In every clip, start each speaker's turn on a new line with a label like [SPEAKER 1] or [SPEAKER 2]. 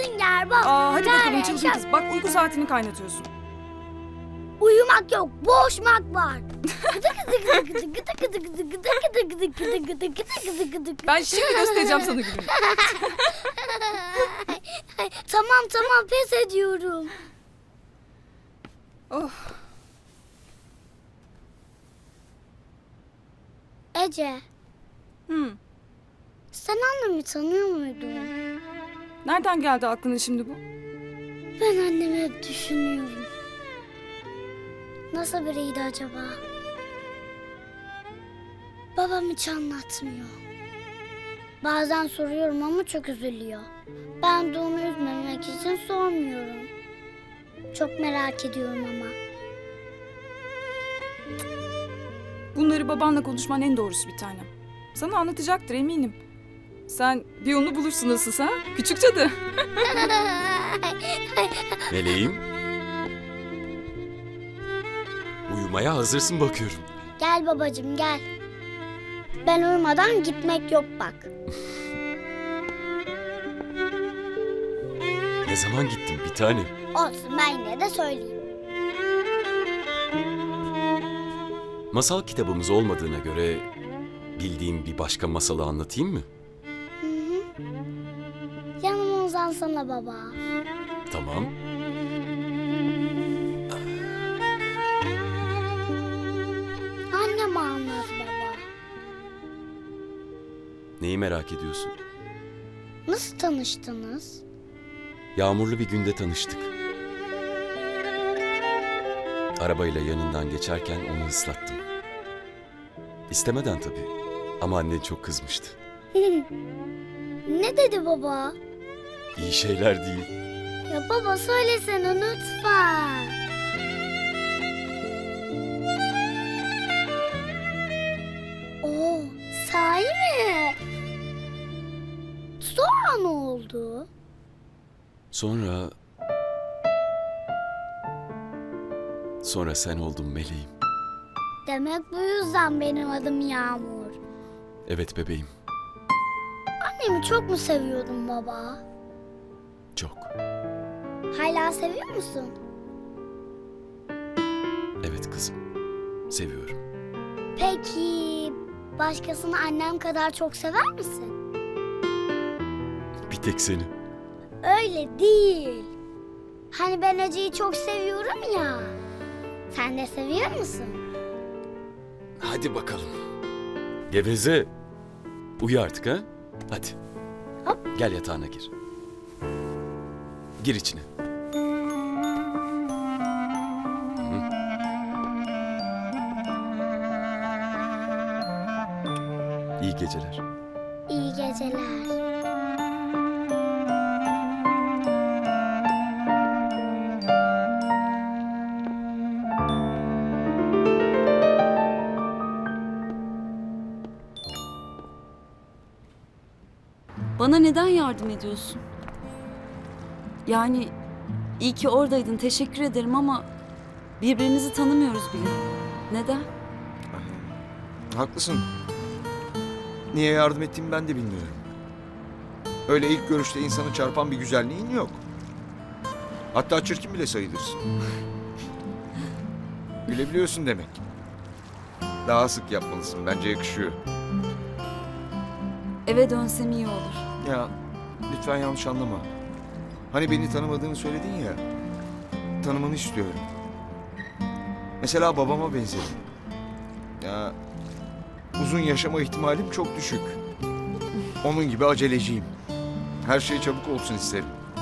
[SPEAKER 1] Sünger Bob.
[SPEAKER 2] Hadi bakalım
[SPEAKER 1] Kare,
[SPEAKER 2] çılgın
[SPEAKER 1] şap-
[SPEAKER 2] kız. Bak uyku saatini kaynatıyorsun.
[SPEAKER 1] Uyumak yok, boğuşmak var.
[SPEAKER 2] Ben şimdi göstereceğim sana gününü.
[SPEAKER 1] Tamam pes ediyorum.
[SPEAKER 2] Oh.
[SPEAKER 1] Ece,
[SPEAKER 2] Hmm.
[SPEAKER 1] sen annemi tanıyor muydun?
[SPEAKER 2] Nereden geldi aklına şimdi bu?
[SPEAKER 1] Ben annemi hep düşünüyorum. Nasıl biriydi acaba? Babam hiç anlatmıyor. Bazen soruyorum ama çok üzülüyor. Ben de onu üzmemek için sormuyorum. Çok merak ediyorum ama.
[SPEAKER 2] Bunları babanla konuşman en doğrusu bir tanem. Sana anlatacaktır eminim. Sen bir yolunu bulursun nasılsa. Küçük cadı.
[SPEAKER 3] Meleğim. Uyumaya hazırsın bakıyorum.
[SPEAKER 1] Gel babacığım gel. Ben uyumadan gitmek yok bak.
[SPEAKER 3] Ne zaman gittin bir tanem?
[SPEAKER 1] Olsun ben yine de söyleyeyim.
[SPEAKER 3] Masal kitabımız olmadığına göre bildiğim bir başka masalı anlatayım mı?
[SPEAKER 1] Hı hı. Yanıma uzansana baba.
[SPEAKER 3] Tamam.
[SPEAKER 1] Annem anlat baba.
[SPEAKER 3] Neyi merak ediyorsun?
[SPEAKER 1] Nasıl tanıştınız?
[SPEAKER 3] Yağmurlu bir günde tanıştık. Arabayla yanından geçerken onu ıslattım. İstemeden tabii. Ama annen çok kızmıştı.
[SPEAKER 1] Ne dedi baba?
[SPEAKER 3] İyi şeyler değil.
[SPEAKER 1] Ya baba söylesene lütfen. Oo, sahi mi? Sonra ne oldu?
[SPEAKER 3] Sonra sen oldun meleğim.
[SPEAKER 1] Demek bu yüzden benim adım Yağmur.
[SPEAKER 3] Evet bebeğim.
[SPEAKER 1] Annemi çok mu seviyordun baba?
[SPEAKER 3] Çok.
[SPEAKER 1] Hala seviyor musun?
[SPEAKER 3] Evet kızım. Seviyorum.
[SPEAKER 1] Peki başkasını annem kadar çok sever misin?
[SPEAKER 3] Bir tek seni.
[SPEAKER 1] Öyle değil. Hani ben Ece'yi çok seviyorum ya. Sen de seviyor musun?
[SPEAKER 3] Hadi bakalım. Geveze. Uyu artık ha. Hadi.
[SPEAKER 1] Hop.
[SPEAKER 3] Gel yatağına gir. Gir içine. Hı. İyi geceler.
[SPEAKER 1] İyi geceler.
[SPEAKER 4] Bana neden yardım ediyorsun? Yani iyi ki oradaydın, teşekkür ederim ama birbirimizi tanımıyoruz bile. Neden?
[SPEAKER 5] Haklısın. Niye yardım ettiğimi ben de bilmiyorum. Öyle ilk görüşte insanı çarpan bir güzelliğin yok. Hatta çirkin bile sayılırsın. Gülebiliyorsun demek. Daha sık yapmalısın. Bence yakışıyor.
[SPEAKER 4] Eve dönsem iyi olur.
[SPEAKER 5] Ya lütfen yanlış anlama. Hani beni tanımadığını söyledin ya. Tanımanı istiyorum. Mesela babama benzerim. Ya uzun yaşama ihtimalim çok düşük. Onun gibi aceleciyim. Her şey çabuk olsun isterim.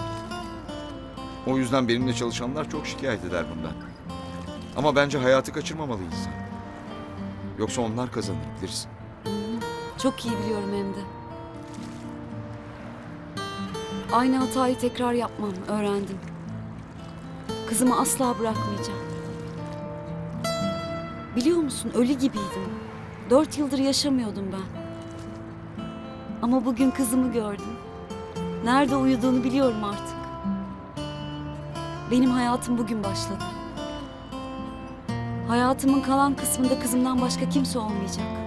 [SPEAKER 5] O yüzden benimle çalışanlar çok şikayet eder bundan. Ama bence hayatı kaçırmamalı insan. Yoksa onlar kazanır bilirsin.
[SPEAKER 4] Çok iyi biliyorum hem de. Aynı hatayı tekrar yapmam, öğrendim. Kızımı asla bırakmayacağım. Biliyor musun, ölü gibiydim. 4 yıldır yaşamıyordum ben. Ama bugün kızımı gördüm. Nerede uyuduğunu biliyorum artık. Benim hayatım bugün başladı. Hayatımın kalan kısmında kızımdan başka kimse olmayacak.